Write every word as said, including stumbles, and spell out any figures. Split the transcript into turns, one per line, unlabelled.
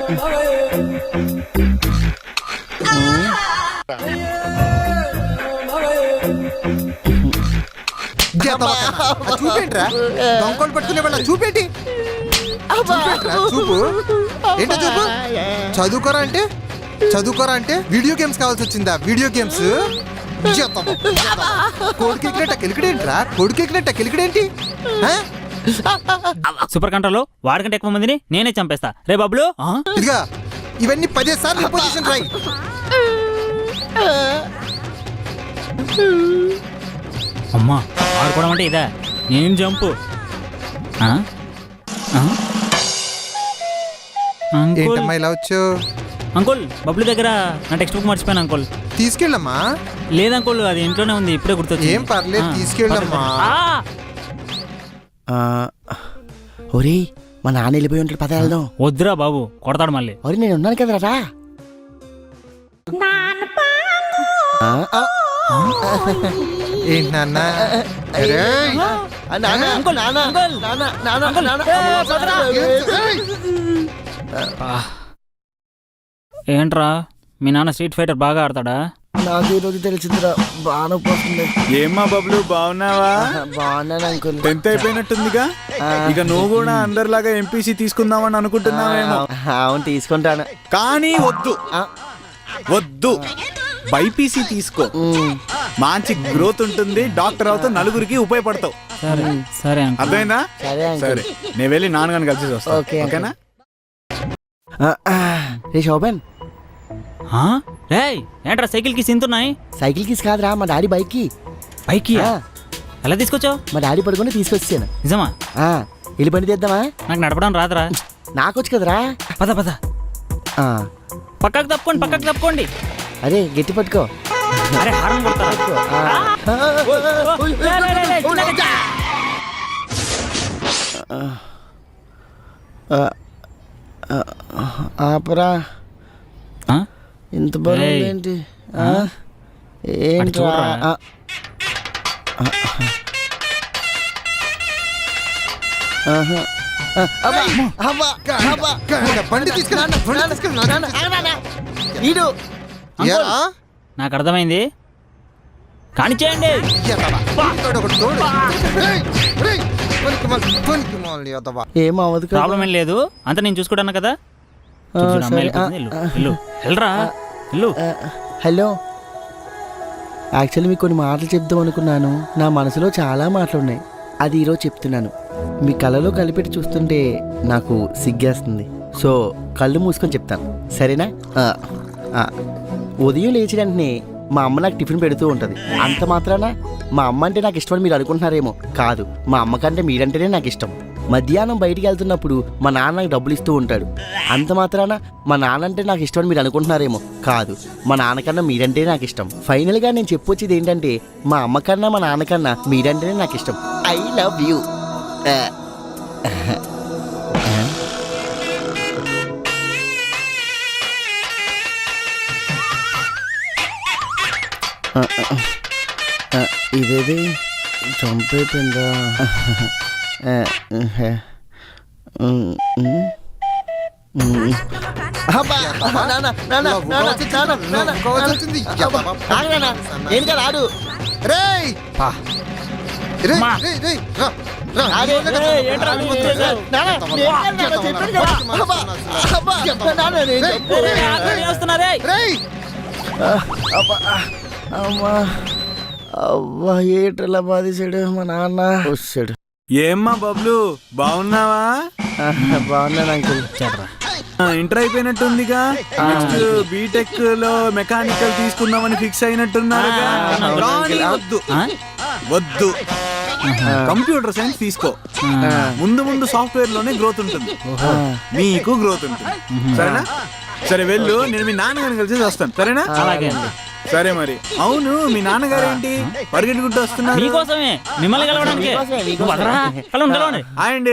చూపేంట్రా దొంగలు పట్టుకునే వాళ్ళ చూపేంటి చూపు ఏంటో చూపు చదువుకోరా అంటే చదువుకోరా అంటే వీడియో గేమ్స్ కావాల్సి వచ్చిందా వీడియో గేమ్స్ కొడుకెక్కినట్ట కెలికడేంట్రా కొడుకెక్కినట్ట కెలికడేంటి
సూపర్ కంట్రోల్ వాడికంటే ఎక్కువ మందిని నేనే చంపేస్తా రే బాబులు
ఇదిగా ఇవన్నీ పదే సార్లు పొజిషన్ ట్రై
అమ్మా ఆడుకోవడం అంటే ఇదా నేను జంపు
ఏంటమ్మా ఇలా వచ్చావు
అంకుల్ బబ్లు దగ్గర నా టెక్స్ట్ బుక్ మర్చిపోయాను అంకుల్
తీసుకెళ్ళమ్మా
లేదు అంకుల్ అది ఇంట్లోనే ఉంది ఇప్పుడే గుర్తొచ్చింది
ఏం పర్లేదు తీసుకెళ్ళమ్మా
ఒరే మా నాన్న వెళ్ళిపోయి ఉంటాడు పద వెళ్దాం
వద్దురా బాబు కొడతాడు మళ్ళీ
ఒరే నేను ఉన్నాను కదరా
ఏంటి నాన్న
ఏంట్రా మీ నాన్న స్ట్రీట్ ఫైటర్ బాగా ఆడతాడా
నాకు ఈ రోజు తెలిసిందిరా బాగా పోతుంది.
ఏమ్మా బబ్లు బాగున్నావా?
బాగున్నాను అంకుల్.
టెన్త్ అయిపోయినట్టుందిగా, ఇక నువ్వు కూడా అందరిలాగా ఎంపీసీ తీసుకుందామని అనుకుంటున్నావేమో.
అవును తీసుకుంటాను,
కానీ వద్దు వద్దు బైపీసీ తీసుకో, మంచి గ్రోత్ ఉంటుంది, డాక్టర్ అవుతావు, నలుగురికి ఉపయోగపడతావు.
సరే సరే
అర్థమైందా? సరే నేను వెళ్ళి నాన్నగారిని కలిసి వస్తా. ఓకేనా?
రే శోభన్,
ఏంట్రా సైకిల్ కి సింతున్నాయి?
సైకిల్ కి కాదురా, మా డాడీ బైక్ కి.
బైక్ కి ఎలా తీసుకొచ్చావు?
మా డాడీ పడుకుని తీసుకొచ్చాను.
నిజమా?
వెళ్ళి పని తీద్దామా?
నాకు నడపడం రాదురా.
నాకొచ్చు కదరా.
పద పద, పక్కకు తప్పుకోండి పక్కకు తప్పుకోండి.
అరే గట్టి పట్టుకో.
అరే హారం
ఆపరా, ఇంత బరువు ఏంటి? ఏంట్రా?
నాకు అర్థమైంది, కానీ చేయండి.
ఏమవదు,
ప్రాబ్లం ఏం లేదు, అంత నేను చూసుకుంటాను కదా.
హలో, యాక్చువల్లీ మీకు కొన్ని మాటలు చెప్దాం అనుకున్నాను. నా మనసులో చాలా మాటలు ఉన్నాయి, అది ఈరోజు చెప్తున్నాను. మీ కళ్ళలో కలిపెట్టి చూస్తుంటే నాకు సిగ్గేస్తుంది, సో కళ్ళు మూసుకొని చెప్తాను, సరేనా? ఉదయం లేచి వెంటనే మా అమ్మ నాకు టిఫిన్ పెడుతూ ఉంటుంది. అంత మాత్రాన మా అమ్మ అంటే నాకు ఇష్టమని మీరు అనుకుంటున్నారేమో. కాదు, మా అమ్మ కంటే మీరంటేనే నాకు ఇష్టం. మధ్యాహ్నం బయటికి వెళ్తున్నప్పుడు మా నాన్న నాకు డబ్బులు ఇస్తూ ఉంటాడు. అంత మాత్రాన మా నాన్న అంటే నాకు ఇష్టమని మీరు అనుకుంటున్నారేమో. కాదు, మా నాన్నకన్నా మీరంటే నాకు ఇష్టం. ఫైనల్గా నేను చెప్పొచ్చేది ఏంటంటే, మా అమ్మ కన్నా మా నాన్నకన్నా మీరంటేనే నాకు ఇష్టం. I love you. ఇదేది చంపేపోయిందా? ఏం కదా ఆడు. అమ్మా అవ్వా, ఏట్లా బాధేశాడు మా నాన్న. వచ్చాడు.
ఏమ్మా బబ్లు బాగున్నావా?
బాగున్నాను అంకుల్.
ఇంటర్ అయిపోయినట్టుందిగా, నెక్స్ట్ బీటెక్ లో మెకానికల్ తీసుకుందామని ఫిక్స్ అయినట్టున్నారుగా. వద్దు వద్దు కంప్యూటర్ సైన్స్ తీసుకో, ముందు ముందు సాఫ్ట్వేర్ లోనే గ్రోత్ ఉంటుంది, మీకు గ్రోత్ ఉంటుంది. సరేనా? సరే వెళ్ళు, నేను మీ నాన్నగారిని కలిసి వస్తాను. సరేనా? సరే మరి. అవును, మీ నాన్నగారు ఏంటి పరిగెట్టుకుంటూ వస్తున్నారు?
మీకోసమే, మిమ్మల్ని కలవడానికి.
అండి